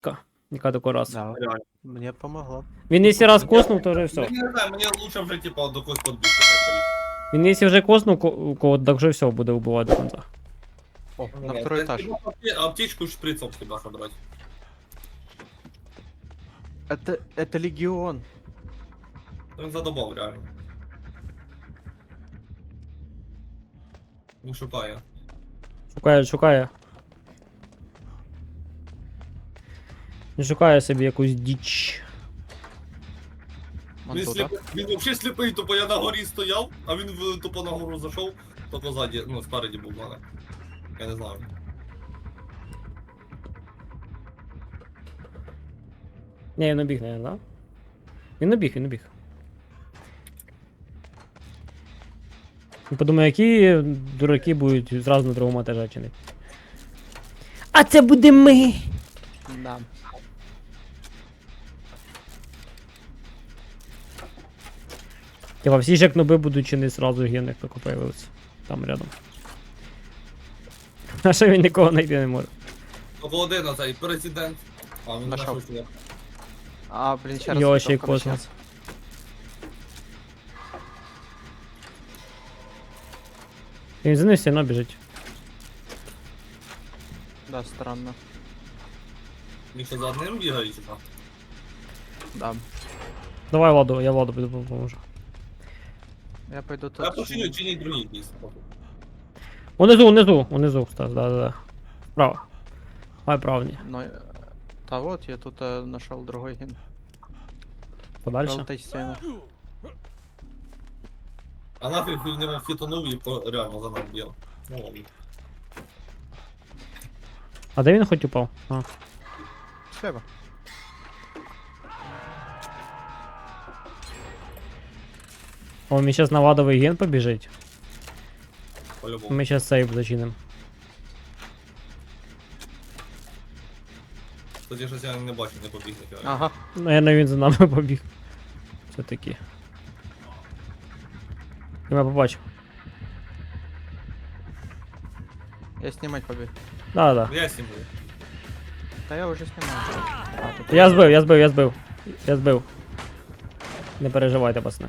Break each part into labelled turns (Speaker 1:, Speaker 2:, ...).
Speaker 1: яка тако раз.
Speaker 2: Да,
Speaker 3: Реально.
Speaker 2: мне помогло.
Speaker 1: Він якщо раз коснув, то вже все.
Speaker 3: Я не знаю, мені лучше вже, типа, до когось подбити.
Speaker 1: Він якщо вже коснув кого, так вже все, буде вбивати до кінця.
Speaker 2: О, на второй этаж.
Speaker 3: Аптечку с шприцом всегда собрать.
Speaker 2: Это легион.
Speaker 3: Він задобав, реально. Він шукає.
Speaker 1: Шукає. Він шукає собі якусь діч.
Speaker 2: Он
Speaker 3: Він,
Speaker 2: туда.
Speaker 3: він взагалі сліпий, тупо я на горі стояв, а він тупо на гору зайшов, тупо ззаді, ну, спереді був в мене. Я не знаю.
Speaker 1: Ні, він набіг, наверное, да? Він набіг. Він подумає, які дураки будуть зразу на другому етажі чинити. А це буде ми!
Speaker 2: Да.
Speaker 1: Типа всі ж як ноби будуть чинити зразу генних тако появилися. Там рядом. А що він нікого знайти не може?
Speaker 3: Тільки один оцей президент. А, він
Speaker 2: Нашов.
Speaker 3: нашов сюди.
Speaker 2: А, блин, сейчас
Speaker 1: Його ще й космос. Він за ним все одно біжить.
Speaker 2: Да, странно.
Speaker 3: Він що за одним бігає, чи що?
Speaker 2: Да.
Speaker 1: Давай Владу, я Владу піду поможу.
Speaker 2: Я пойду
Speaker 3: Я
Speaker 2: тут.
Speaker 3: починю чинить другий якийсь.
Speaker 1: Унизу, Стас, да. Справа. Давай правні.
Speaker 2: Но... Да вот, я тут нашел другой ген.
Speaker 1: Подальше.
Speaker 2: Желтой стены.
Speaker 3: А нафиг в нього фітонув і реально за ним б'є. Ну ладно.
Speaker 1: А де він хоч упав? А.
Speaker 2: Слева.
Speaker 1: О, ми зараз на Владовий ген побіжить.
Speaker 3: По-любому.
Speaker 1: Ми зараз сейв зачинимо.
Speaker 3: Кстати, щось я не бачу, не побіг ніфіга.
Speaker 2: Ага.
Speaker 1: Наверно, він за нами побіг. Все-таки. Я мене побачив.
Speaker 2: Я снимать побег.
Speaker 1: Да.
Speaker 3: Я сім'ю.
Speaker 2: Да я уже снимаю. А, тут
Speaker 1: Я збив. Не переживайте, пацани.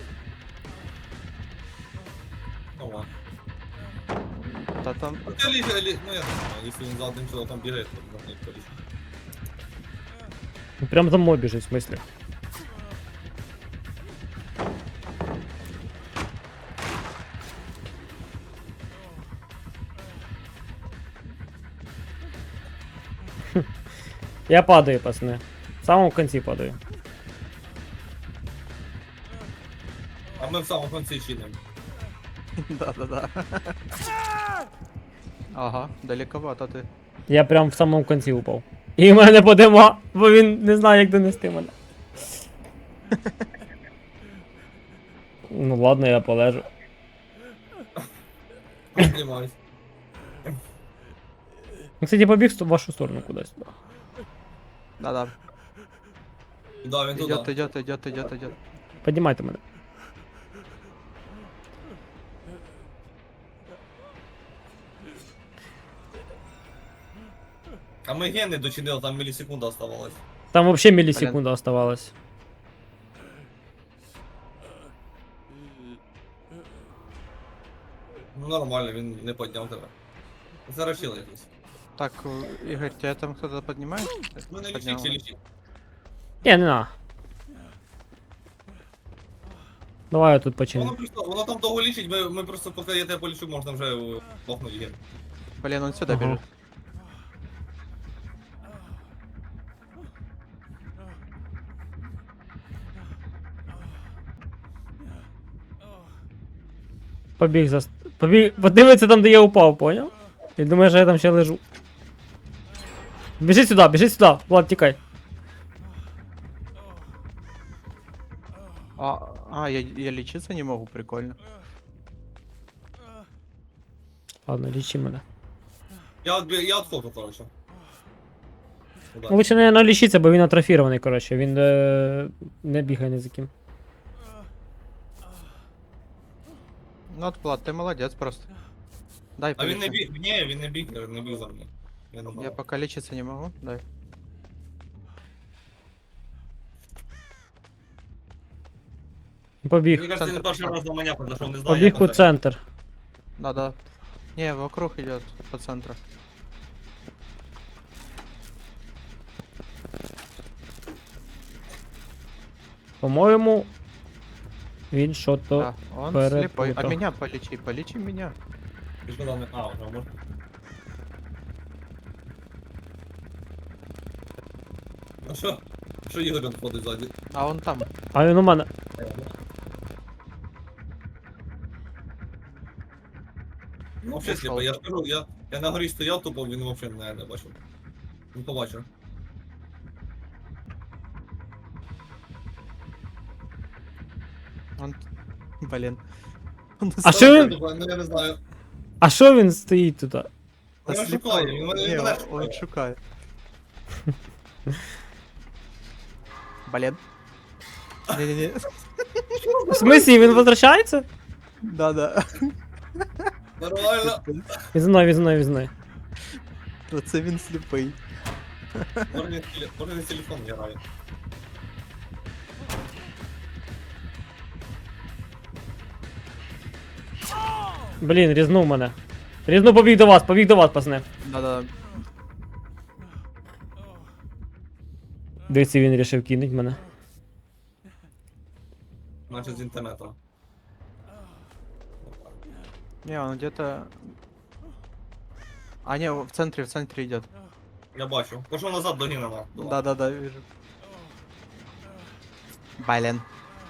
Speaker 3: Ну ладно.
Speaker 2: Да там...
Speaker 3: Ну я не знаю, якщо він за одним чоловіком бігає, то можна їх порішити.
Speaker 1: Він прям за мною біжить, в смислі. Я падаю, пацани. В самому кінці падаю.
Speaker 3: А ми в самому кінці чинимо.
Speaker 2: Да. Ага, далековато ты.
Speaker 1: Я прям в самому кінці упав. І в мене подима, бо він не знає, як донести мене. Ну ладно, я полежу.
Speaker 3: Піднімаюсь.
Speaker 1: Ну, кстати, побіг в вашу сторону кудись.
Speaker 2: Да.
Speaker 3: Да, він туди.
Speaker 2: Идет.
Speaker 1: Піднімайте мене.
Speaker 3: А ми гени дочинили, там мілісекунда оставалась.
Speaker 1: Там вообще мілісекунда оставалась.
Speaker 3: Ну нормально, він не підняв тебе. Зарachили якось.
Speaker 2: Так, Игорь, тебя там кто-то поднимает?
Speaker 3: Ну не
Speaker 2: Поднял.
Speaker 3: лічить чи лічить.
Speaker 1: Не на. Давай я тут починю.
Speaker 3: Воно там довго лічить, ми просто поки я тебе полічу, можна вже лохнути ген.
Speaker 2: Блин, он сюда
Speaker 1: Ага.
Speaker 2: бежит.
Speaker 1: Побіг, подивиться там, де я упав, поняв? І думає, що я там ще лежу. Біжи сюди, Влад, тікай.
Speaker 2: Я лечиться не могу, прикольно.
Speaker 1: Ладно, лічи мене.
Speaker 3: Я отходжу, коротше.
Speaker 1: Ну, лучше, наверное, лічиться, бо він атрофірований, коротше. Він не бігає ні за ким.
Speaker 2: Ну, Влад, ты молодец просто. Дай
Speaker 3: А він не
Speaker 2: полечу.
Speaker 3: біг, ні, він не біг за мною.
Speaker 2: Я пока лечиться не могу, дай.
Speaker 1: Побіг.
Speaker 3: Мені кажется, він
Speaker 2: Центр.
Speaker 3: перший раз на мене подошов, не знаю.
Speaker 1: Побіг
Speaker 3: як
Speaker 1: у
Speaker 3: це.
Speaker 1: центр.
Speaker 2: Да. Не, вокруг идет по центру.
Speaker 1: По-моєму, він що-то.
Speaker 2: Да, он
Speaker 1: перепутал.
Speaker 2: слепой. А меня полечи меня.
Speaker 3: Ти ж казав, а, вже можна. А що? Що Ігор він ходить ззаді?
Speaker 2: А он там.
Speaker 1: А він у мене.
Speaker 3: Ну, взагалі,
Speaker 2: Ушел.
Speaker 3: я ж кажу, я на горі стояв, тупо він взагалі не бачив. Не побачив.
Speaker 2: Он... Блин. Он
Speaker 1: А що він?
Speaker 3: Ну, я не знаю.
Speaker 1: А що він стоїть тут?
Speaker 3: Я шукаю, він мене
Speaker 2: Не,
Speaker 3: шукає.
Speaker 2: он шукает. Блин. Не-не-не.
Speaker 1: В смислі, він возвращається?
Speaker 2: Да.
Speaker 3: Нормально.
Speaker 1: Він за мною, він за мною, він за мною.
Speaker 2: Оце він сліпий.
Speaker 3: Може не телефон грає.
Speaker 1: Блін, різнув мене. Різнув, побіг до вас, пацани.
Speaker 2: Да.
Speaker 1: Дивіться, він рішив кинуть мене.
Speaker 3: Значить з інтернету.
Speaker 2: Не, он где-то... А, не, в центре идет.
Speaker 3: Я бачу. Пошов назад до Гінана.
Speaker 2: Да, вижу. Блин.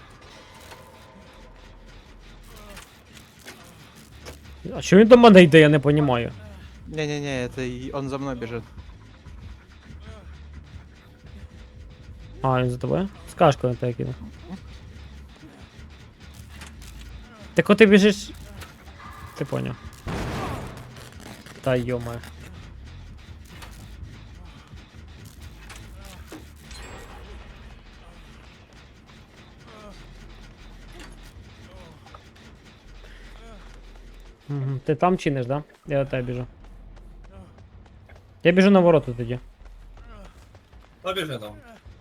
Speaker 1: А що він до мене йде, я не розумію.
Speaker 2: Не-не-не, это он за мной бежит.
Speaker 1: А, він за тобою? Скажку на тебе кинув. Так от ти біжиш. Ти поняв. Та йомаю. Угу. Ти там чиниш, да? Я до тебе біжу. Я біжу на ворота тоді.
Speaker 3: Побіжи там.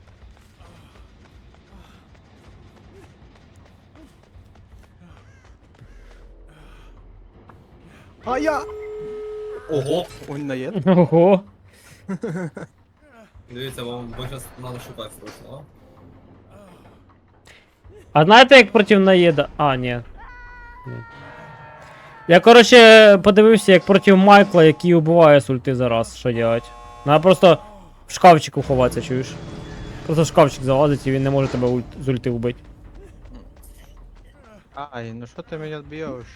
Speaker 2: А я!
Speaker 3: Ого!
Speaker 2: Он наед.
Speaker 1: Ого.
Speaker 3: Дивіться, вам зараз треба шукати срочно,
Speaker 1: А знаєте, як проти наїда? А, ні. Ні. Я, коротше, подивився, як проти Майкла, який убиває з ульти за раз, що делать. Надо просто в шкафчику ховатися, чуєш? Просто в шкафчик залазить і він не може тебе з ульти вбити.
Speaker 2: Ай, ну что ты меня бьешь?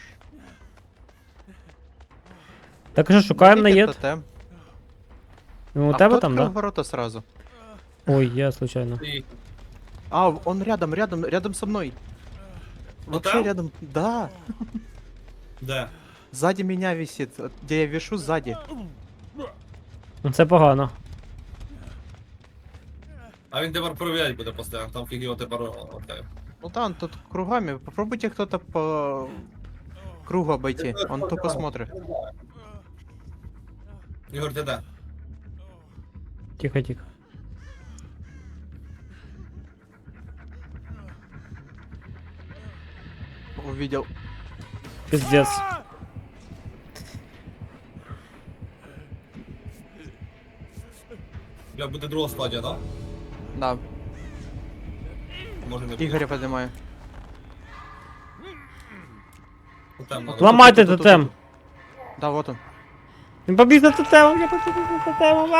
Speaker 1: Так що шукаємо
Speaker 2: Найдите
Speaker 1: наїд.
Speaker 2: тотем.
Speaker 1: Ну, у
Speaker 2: А
Speaker 1: тебе
Speaker 2: кто
Speaker 1: там,
Speaker 2: открыл
Speaker 1: да?
Speaker 2: ворота сразу?
Speaker 1: Ой, я случайно.
Speaker 3: І
Speaker 2: А, он рядом со мной. Вообще
Speaker 3: там?
Speaker 2: рядом, да.
Speaker 3: де?
Speaker 2: Сзади меня висит, где я вешу сзади.
Speaker 1: Ну це погано.
Speaker 3: А він тепер перевіряти буде постійно, там фіг його тепер окей.
Speaker 2: Ну да, он тут кругами. Попробуйте кто-то по кругу обойти. Он тупо смотрит.
Speaker 3: Ігор, ти де?
Speaker 1: Тихо, тихо.
Speaker 2: Увидел.
Speaker 1: Пиздец.
Speaker 3: Бля, буде друга стадія, да?
Speaker 2: Да,
Speaker 3: Може не буде.
Speaker 2: Игоря поднимаю.
Speaker 3: Тотем надо.
Speaker 1: Ламайте
Speaker 2: Тут.
Speaker 1: тотем.
Speaker 2: Да, вот он.
Speaker 1: Він побіг за тотемом, я побіг за тотемом.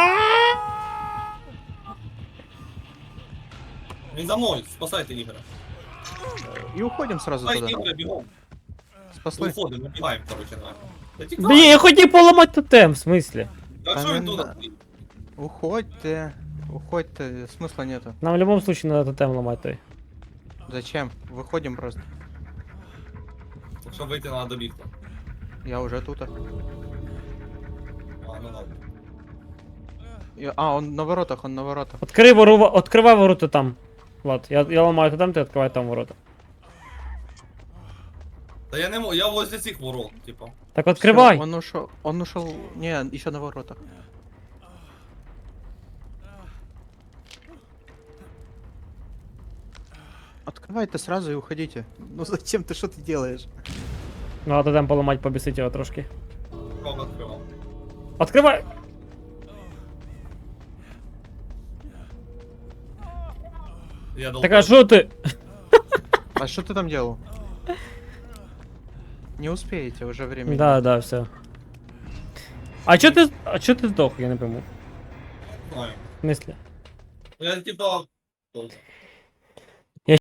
Speaker 3: Він за мною, спасайте Ігоря.
Speaker 2: И уходим сразу
Speaker 3: Ай,
Speaker 2: туда.
Speaker 3: Ігоря, бігом.
Speaker 2: Спасли.
Speaker 3: Виходимо, бігаємо, короче, на. Та тікай.
Speaker 1: Блін, я хотів поламати тотем, в смислі?
Speaker 3: А що він
Speaker 2: Та
Speaker 3: тут?
Speaker 2: не Уходьте. Уходьте, смысла нету.
Speaker 1: Нам в будь-якому випадку треба тотем ламати той.
Speaker 2: Зачем? Выходим просто.
Speaker 3: Щоб вийти треба добігти.
Speaker 2: Я уже тут.
Speaker 3: А, ну ладно.
Speaker 2: А, он на воротах, он на воротах.
Speaker 1: Откривай ворота там. Влад, я ламаю тотем, ти відкривай там ворота.
Speaker 3: Та я не можу, я возле цих ворот, типа.
Speaker 1: Так відкривай.
Speaker 2: Всё, он ушел. Не, еще на воротах. Открывайте сразу и уходите. Ну зачем ты, что ты делаешь?
Speaker 1: Ну, а то там поламать, побісить його трошки.
Speaker 3: Кого відкривав?
Speaker 1: Откривай!
Speaker 3: Я
Speaker 1: Так а що ти?
Speaker 2: А что ты там делал? Не успеете, уже времени.
Speaker 1: Да, да, все. А чо ти здох, я не пойму.
Speaker 3: знаю.
Speaker 1: В смислі?
Speaker 3: Я типа...